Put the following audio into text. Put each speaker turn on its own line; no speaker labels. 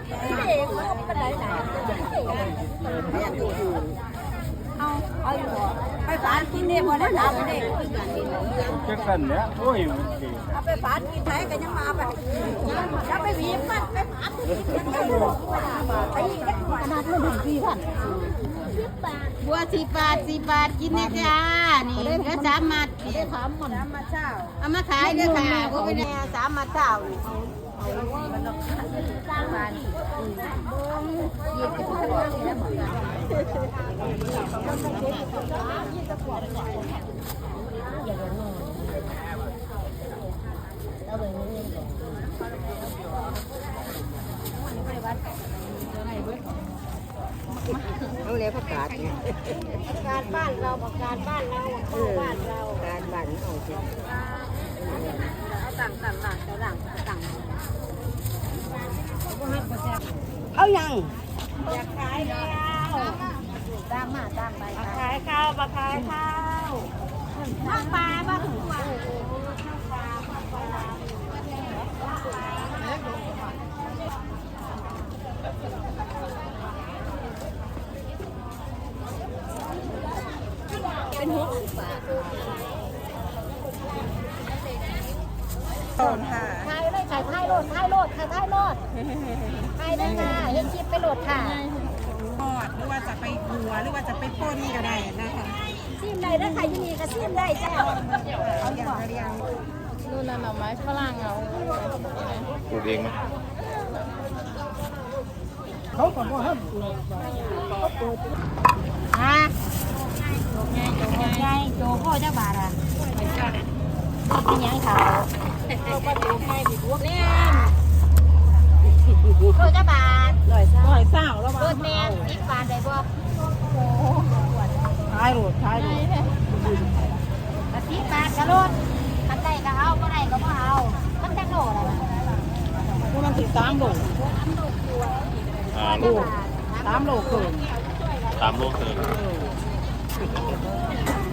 เอาอยู่ไปฝานกินเนี่ยพอได้ทำเนี่ย
จะกันเนี่ยโอ้ย
เอาไปฝานกินไหนกันยังมาแบบจะไปวีบมันไปฝานไปขนาดมันถึง4,000
บัว10 บาทกินนะจ้านี่ก็3 มัด
ได้ถามมันมาเช้า
เอามาขายเด้อค่ะบ่เป็น3 มัดเท่านี่
เอาเลยประกาศการบ้านเราประกาศบ้านเราบ้านเราการบ้านเราเอาต่างเอายังอยากขายแล้วตามไปขายข้าวมาขายข้าวข้าวปลาบ้างเป็น60 บาทค่ะขายได้ขายท้ายโลดขายได้ค่ะเห็นชิปไปโหลดค่ะ
ทอดหรือว่าจะไปหัวหรือว่าจะไปป่นก็ได้นะคะ
ซิมได้ถ้าใครที่มีก็ซิมได้จ้า
เอาอย่างเรียง
นู่นน่ะหน่อไม้ฝรั่งเอา
ปลูกเองไหม
เขาก็บ่ห้ามฮะโจพ่อเจ้าบาทอ่ะเป็นยังเขาก็โจแม่พี่พวกเนี่ยโจเจ้าบาท
120แล้ว
โจแม่10 บาทได้บ่
ขายโหลด
10 บาทก็โลดอันใดก็เอาบ่ได้ก็บ่เอามันจักโลล่ะ
มันสิ3โล
โล
3โลเกิน
3 โลเกิน